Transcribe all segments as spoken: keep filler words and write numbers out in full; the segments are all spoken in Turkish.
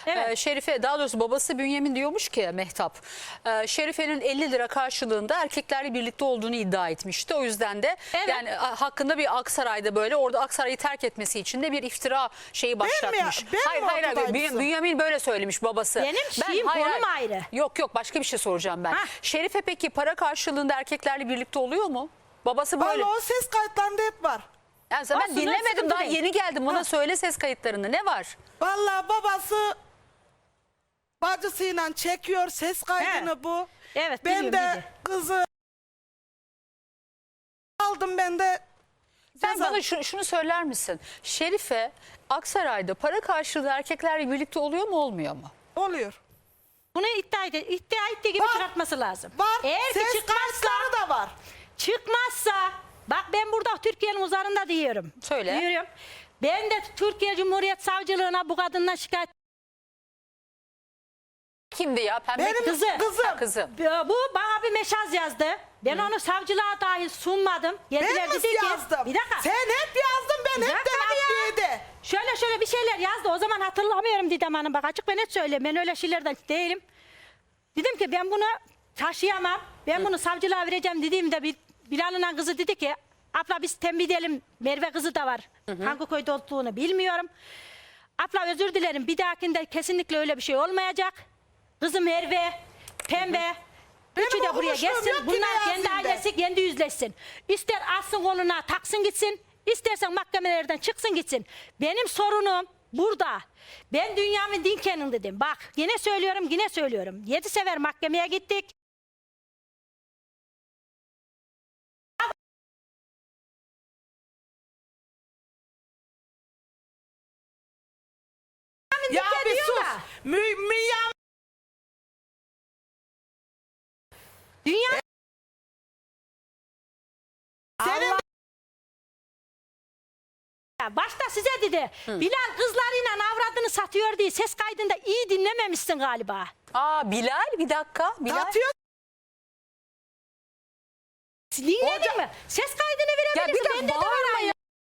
Evet. Ee, Şerife, daha doğrusu babası Bünyamin diyormuş ki Mehtap, e, Şerife'nin elli lira karşılığında erkeklerle birlikte olduğunu iddia etmişti. O yüzden de Evet. yani a, hakkında bir Aksaray'da böyle orada Aksaray'ı terk etmesi için de bir iftira şeyi başlatmış. ben mi hayır hayır, hayır. ortadaymışım? Bünyamin böyle söylemiş babası. Benim şeyim, konum ayrı. Yok yok, başka bir şey soracağım ben. Hah. Şerife peki para karşılığında erkeklerle birlikte oluyor mu? Babası böyle. Vallahi o ses kayıtlarında hep var. Yani ben Aslında dinlemedim, sıkıntı daha değil. yeni geldim. Bana Ha. söyle ses kayıtlarında ne var? Vallahi babası bacısıyla çekiyor ses kaydını He. bu. Evet, Ben biliyorum, de biliyorum. kızı aldım ben de. Sen ceza- bana şu- şunu söyler misin? Şerife Aksaray'da para karşılığı erkeklerle birlikte oluyor mu olmuyor mu? Oluyor. Bunu iddia, ede, iddia ettiği gibi Var. çıkartması lazım. Var. Eğer ki ses çıkmazsa, kayıtları da var. çıkmazsa, bak ben burada Türkiye'nin uzarında diyorum. Söyle. Diyorum. Ben de Türkiye Cumhuriyet Savcılığına bu kadından şikayet. Kimdi ya? Pembe Benim Kızı. kızım. Ha, kızım. Bu bana bir mesaj yazdı. Ben onu savcılığa dahi sunmadım. Ben Geldiler mi dedi ki, yazdım? bir dakika. Sen hep yazdın, ben Bir hep dakika de ya. adliyede. Şöyle şöyle bir şeyler yazdı. O zaman hatırlamıyorum Didem Hanım. Bak açık ve net söyleyeyim. Ben öyle şeylerden değilim. Dedim ki ben bunu taşıyamam. Ben bunu savcılığa vereceğim dediğimde bir Bilal'ın kızı dedi ki abla biz tembih edelim. Merve kızı da var. Hangi köyde olduğunu bilmiyorum. Abla özür dilerim. Bir dahakinde kesinlikle öyle bir şey olmayacak. Kızı Merve, Pembe. Üçü Benim de buraya okumuşluğum gelsin. yok ki, Bunlar ne kendi yazayım ben? ailesi kendi yüzleşsin. İster alsın koluna taksın gitsin. İstersen mahkemelerden çıksın gitsin. Benim sorunum burada. Ben Bünyamin Dinken'in dedim. Bak yine söylüyorum yine söylüyorum. Yedi sefer mahkemeye gittik. Ya Dinken bir diyor sus. da, Mü, Müyam Dünya senin başta size dedi. Bilal kızlarıyla avradını satıyor diye ses kaydında iyi dinlememişsin galiba. Aa, Bilal, bir dakika. Bilal. atıyor. Dinledin mi? Ses kaydını Ya bir verebilirsin. dakika Bende de var bağırma aynı. ya.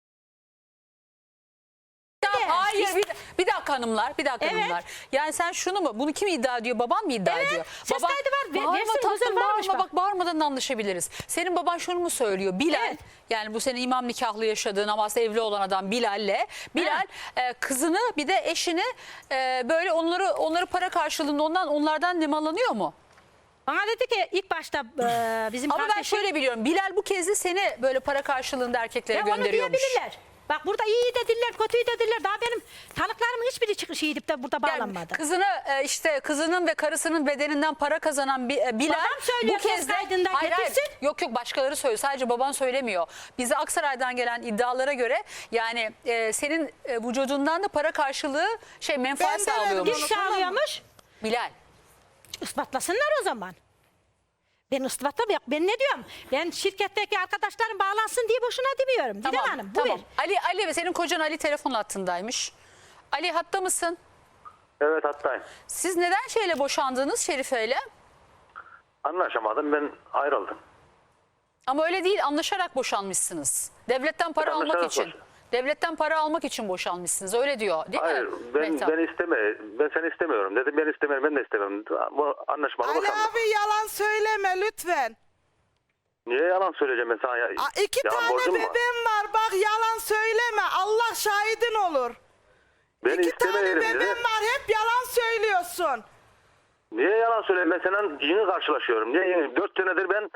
Ya hayır, bir, bir dakika hanımlar, bir dakika Evet. hanımlar. Yani sen şunu mu, bunu kim iddia ediyor, baban mı iddia Evet, ediyor? ses Baban- kaydı var, ve- Bağırma versin, tatlım, huzur varmış bağırma, bak. bak bağırmadan anlaşabiliriz. Senin baban şunu mu söylüyor? Bilal, Evet. yani bu senin imam nikahlı yaşadığın ama aslında evli olan adam Bilal'le. Bilal e, kızını bir de eşini e, böyle onları onları para karşılığında ondan onlardan nemalanıyor mu? Bana dedi ki ilk başta e, bizim Ama ben kardeşim... şöyle biliyorum, Bilal bu kez de seni böyle para karşılığında erkeklere Ya onu gönderiyormuş. diyebilirler. Bak burada iyi dediler, kötüyü dediler. Daha benim tanıklarımın hiçbiri çıkış gidip de burada Yani bağlanmadı. kızını e, işte kızının ve karısının bedeninden para kazanan Bi- e, Bilal Babam söylüyor, bu kez ses de kaydında hayır, hayır, getirsin. yok yok başkaları söylüyor, sadece baban söylemiyor. Bize Aksaray'dan gelen iddialara göre yani e, senin e, vücudundan da para karşılığı şey menfaat Ben de sağlıyormuş verdim Kim sağlıyormuş? Bilal. Ispatlasınlar o zaman. Ben ispatlam yok. Ben ne diyorum? Ben şirketteki arkadaşlarım bağlansın diye boşuna demiyorum. Didem Tamam, Hanım bu tamam. ver. Ali Ali senin kocan Ali telefon hattındaymış. Ali hatta mısın? Evet hattayım. Siz neden şeyle boşandınız Şerife'yle? Anlaşamadım, ben ayrıldım. Ama öyle değil, anlaşarak boşanmışsınız. Devletten para almak Anlaşarak için. boş- Devletten para almak için boşanmışsınız. Öyle diyor değil Hayır, mi? ben Mehtap? ben isteme, ben seni istemiyorum dedim, ben istemiyorum, ben de istemiyorum. Bu anlaşmalı Ali bakalım. abi yalan söyleme lütfen. Niye yalan söyleyeceğim ben sana? Ya, Aa, iki yalan tane borcum var. bebeğim var, bak yalan söyleme. Allah şahidin olur. Ben İki tane istemiyorum bebeğim dedi. var, hep yalan söylüyorsun. Niye yalan söyleyeyim? Ben seninle yeni karşılaşıyorum. Niye yeni? Dört senedir ben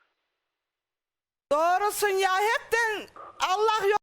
Doğrusun ya, hepten Allah yok.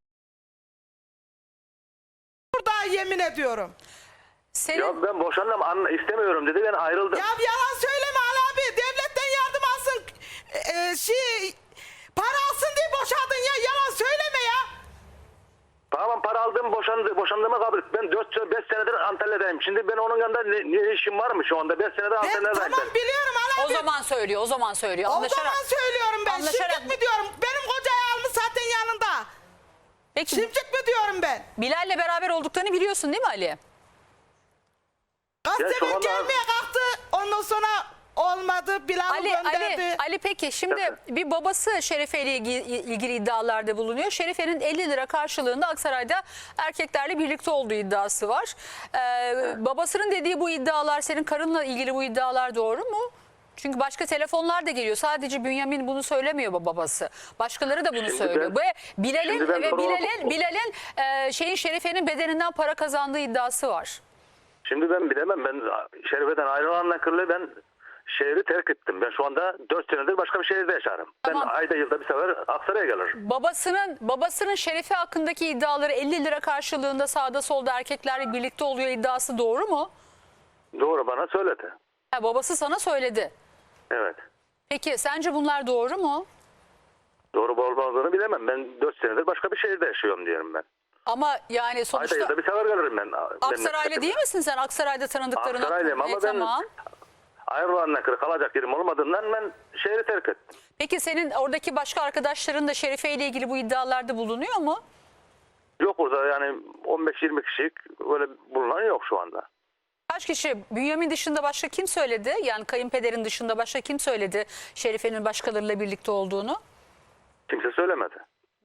Burada yemin ediyorum. Senin, ya ben boşandım, an, istemiyorum dedi, ben ayrıldım. Ya yalan söyleme Ali abi. Devletten yardım alsın. Ee, şey, para alsın diye boşadın ya. Yalan söyleme ya. Tamam, para aldım, boşandı, boşandığıma kabul et. Ben dört beş senedir Antalya'dayım. Şimdi ben onun yanında ne, ne işim var mı şu anda? beş senedir Ben Antalya'dayım. tamam biliyorum Ali o abi. zaman söylüyor, o zaman söylüyor. O Anlaşarak. zaman söylüyorum ben. Anlaşarak- Şimdik mi diyorum? Benim kocayı almış zaten yanında. Peki Şimdik mi diyorum ben? Bilal'le beraber olduklarını biliyorsun değil mi Ali? Gazeteden şu anda- gelmeye kalktı. Ondan sonra o olmadı. Bilal'ı Ali, gönderdi. Ali, Ali peki şimdi bir babası Şerife ile ilgili, ilgili iddialarda bulunuyor. Şerife'nin elli lira karşılığında Aksaray'da erkeklerle birlikte olduğu iddiası var. Ee, babasının dediği bu iddialar, senin karınla ilgili bu iddialar doğru mu? Çünkü başka telefonlar da geliyor. Sadece Bünyamin bunu söylemiyor babası. Başkaları da bunu Şimdi söylüyor. ben- Bu Bilal'in şimdi ben ve doğru- Bilal'in Bilal'in e, şeyin Şerife'nin bedeninden para kazandığı iddiası var. Şimdi ben bilemem. Ben Şerife'den ayrılandan kırılı ben şehri terk ettim. Ben şu anda dört senedir başka bir şehirde yaşarım. Tamam. Ben ayda yılda bir sefer Aksaray'a gelirim. Babasının babasının Şerife hakkındaki iddiaları elli lira karşılığında sağda solda erkeklerle birlikte oluyor iddiası doğru mu? Doğru, bana söyledi. Ha, babası sana söyledi. Evet. Peki sence bunlar doğru mu? Doğru olmadığını bilemem. Ben dört senedir başka bir şehirde yaşıyorum diyorum ben. Ama yani Ayda sonuçta yılda bir sefer gelirim ben. Aksaraylı değil misin sen? Aksaray'da tanıdıkların Aksaraylıyım ama E, ben tamam. ayrılandan kırık kalacak yerim olmadığından ben şehri terk ettim. Peki senin oradaki başka arkadaşların da Şerife ile ilgili bu iddialarda bulunuyor mu? Yok orada yani on beş yirmi kişilik öyle bulunan yok şu anda. Kaç kişi? Bünyamin dışında başka kim söyledi? Yani kayınpederin dışında başka kim söyledi Şerife'nin başkalarıyla birlikte olduğunu? Kimse söylemedi.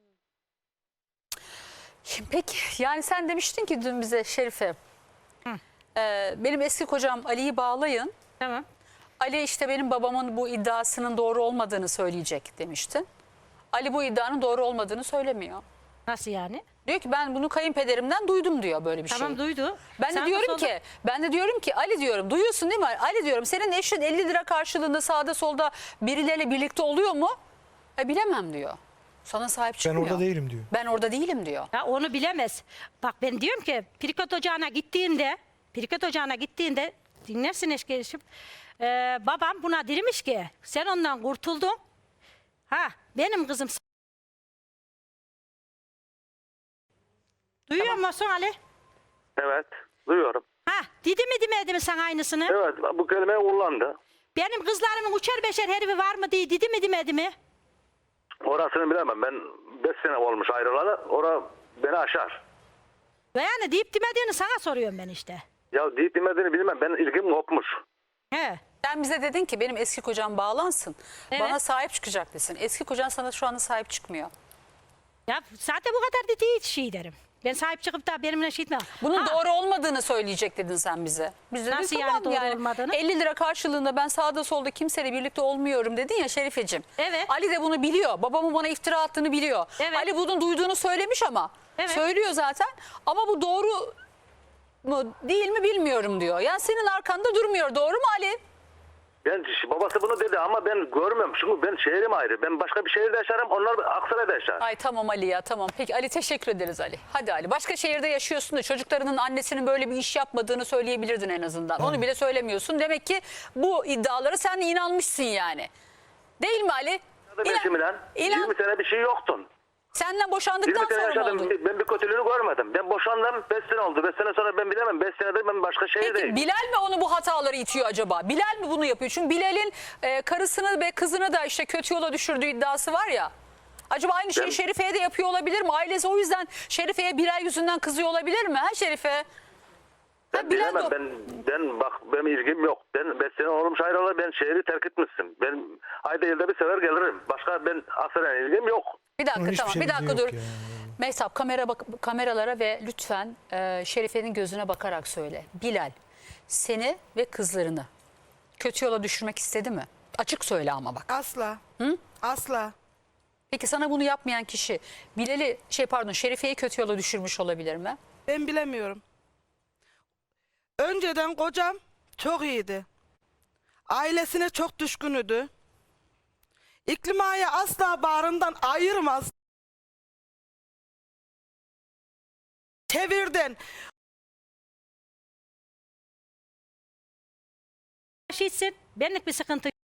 Peki yani sen demiştin ki dün bize Şerife, e, benim eski kocam Ali'yi bağlayın. Tamam. Ali işte benim babamın bu iddiasının doğru olmadığını söyleyecek demiştin. Ali bu iddianın doğru olmadığını söylemiyor. Nasıl yani? Diyor ki ben bunu kayınpederimden duydum diyor böyle bir şey. Tamam duydu. Ben de Sen diyorum nasıl ki ben de diyorum ki Ali diyorum duyuyorsun değil mi? Ali diyorum senin eşin elli lira karşılığında sağda solda birileriyle birlikte oluyor mu? E bilemem diyor. Sana sahip Ben çıkmıyor. orada değilim diyor. Ben orada değilim diyor. Ya onu bilemez. Bak ben diyorum ki Pirikot Ocağı'na gittiğinde, Pirikot Ocağı'na gittiğinde dinlersin eşkeşim. Ee, babam buna demiş ki sen ondan kurtuldun. Ha benim kızım. Duyuyor musun Ali? Evet, duyuyorum. Ha dedi mi demedi mi sana aynısını? Evet, bu kelimeyi kullandı. Benim kızlarımın uçer beşer herifi var mı diye dedi mi demedi mi? Orasını bilemem. Ben beş sene olmuş ayrılalı. Ora beni aşar. Ve yani deyip demediğini sana soruyorum ben işte. Ya deyip demediğini bilmem. Ben ilgim kopmuş. He. Sen bize dedin ki benim eski kocam bağlansın. Evet. Bana sahip çıkacak desin. Eski kocan sana şu anda sahip çıkmıyor. Ya zaten bu kadar dediği şey derim. Ben sahip çıkıp da benimle şey etmem. Bunun Ha, doğru olmadığını söyleyecek dedin sen bize. Biz de Nasıl dedik, yani tamam doğru olmadığını? elli lira karşılığında ben sağda solda kimseyle birlikte olmuyorum dedin ya Şerifeciğim. Evet. Ali de bunu biliyor. Babamın bana iftira attığını biliyor. Evet. Ali bunun duyduğunu söylemiş ama. Evet. Söylüyor zaten. Ama bu doğru mu değil mi bilmiyorum diyor. Yani senin arkanda durmuyor. Doğru mu Ali? Ben babası bunu dedi ama ben görmüyorum. Çünkü ben şehrim ayrı. Ben başka bir şehirde yaşarım. Onlar Aksaray'da yaşar. Ay tamam Ali ya tamam. Peki Ali teşekkür ederiz Ali. Hadi Ali. Başka şehirde yaşıyorsun da çocuklarının annesinin böyle bir iş yapmadığını söyleyebilirdin en azından. Onu bile söylemiyorsun. Demek ki bu iddialara sen de inanmışsın yani. Değil mi Ali? Ben eşimle inan- yirmi sene bir şey yoktun. Senden boşandıktan yirmi sene sonra mı yaşadım. oldu? Ben bir kötülüğünü görmedim. Ben boşandım. beş sene oldu. beş sene sonra ben bilemem. beş senedir ben başka şehirdeyim. Peki Bilal mi onu bu hataları itiyor acaba? Bilal mi bunu yapıyor? Çünkü Bilal'in e, karısını ve kızını da işte kötü yola düşürdüğü iddiası var ya. Acaba aynı şeyi Ben- Şerife'ye de yapıyor olabilir mi? Ailesi o yüzden Şerife'ye Bilal yüzünden kızıyor olabilir mi? Ha Şerife? Ben Ha, Bilal bilemem. de- Ben, ben bak benim ilgim yok. Ben beş sene olmuş ayrılalı. Ben şehri terk etmişsin. Ben ayda yılda bir sefer gelirim. Başka ben Aksaray'a ilgim yok. Bir dakika Onun hiçbir tamam bir şeyimiz dakika yok dur. ya. Mehtap kamera bak kameralara ve lütfen e, Şerife'nin gözüne bakarak söyle. Bilal seni ve kızlarını kötü yola düşürmek istedi mi? Açık söyle ama bak. Asla. Asla. Peki sana bunu yapmayan kişi Bilal'i şey pardon Şerife'yi kötü yola düşürmüş olabilir mi? Ben bilemiyorum. Önceden kocam çok iyiydi. Ailesine çok düşkünüdü. İklima'yı asla bağrından ayırmaz. Çevirdin. Şeysin, benlik bir sıkıntı yok.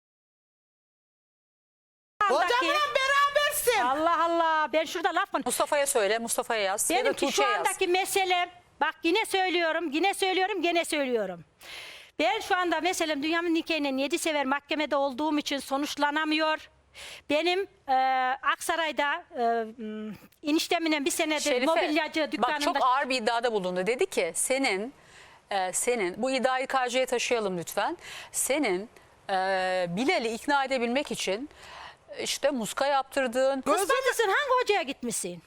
Kocamla berabersin. Allah Allah, ben şurada laf konuş. Mustafa'ya söyle Mustafa'ya yaz ya da Benimki şu Tuğçe'ye yaz. andaki meselem, bak yine söylüyorum, yine söylüyorum, yine söylüyorum. Ben şu anda meselem Bünyamin nikahının yedi sever mahkemede olduğum için sonuçlanamıyor. Benim e, Aksaray'da e, m, eniştemle bir senedir Şerife, mobilyacı dükkanında... bak çok ağır bir iddiada bulundu. Dedi ki senin e, senin bu iddiayı K C'ye taşıyalım lütfen. Senin Ee, Bilal'i ikna edebilmek için işte muska yaptırdın. Gözüm Ispatısın, hangi hocaya gitmişsin?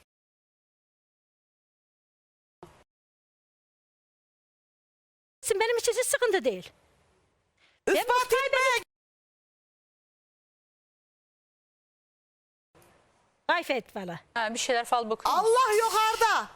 Benim için hiç sıkıntı değil. ispat etmeye Gayfet valla. Ha, bir şeyler fal bakıyor. Allah yukarıda.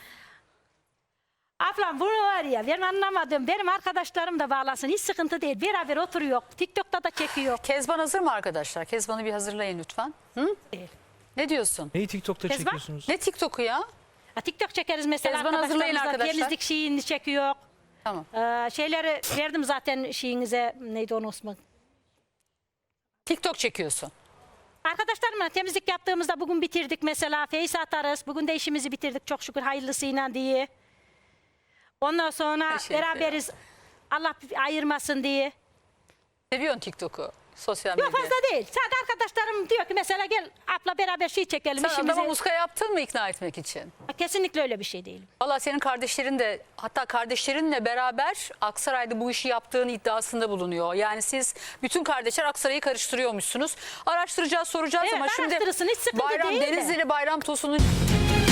Ablam bunu var ya, benim anlamadım. Benim arkadaşlarım da bağlasın, hiç sıkıntı değil. Beraber oturuyor, TikTok'ta da çekiyor. Kezban hazır mı arkadaşlar? Kezban'ı bir hazırlayın lütfen. Hı? Değil. Ne diyorsun? Neyi TikTok'ta Kezban? çekiyorsunuz? Ne TikTok'u ya? Ha, TikTok çekeriz mesela, Kezban hazırlayın arkadaşlarımızla arkadaşlar. temizlik şeyini çekiyor. Tamam. Ee, şeyleri verdim zaten şeyinize, neydi onun ismi? TikTok çekiyorsun. Arkadaşlarımla temizlik yaptığımızda bugün bitirdik mesela. Face atarız. Bugün de işimizi bitirdik çok şükür hayırlısıyla diye. Ondan sonra Her şey beraberiz. Allah ayırmasın diye. Seviyorsun TikTok'u. Sosyal Yok medyayı. fazla değil. Sadece arkadaşlarım diyor ki mesela gel abla beraber şey çekelim Sen işimizi. adama muska yaptın mı ikna etmek için? Kesinlikle öyle bir şey değil. Valla senin kardeşlerin de, hatta kardeşlerinle beraber Aksaray'da bu işi yaptığın iddiasında bulunuyor. Yani siz bütün kardeşler Aksaray'ı karıştırıyormuşsunuz. Araştıracağız, soracağız Evet, ama şimdi araştırırsın, hiç sıkıntı Bayram değil de. Denizli'li Bayram Tosun'un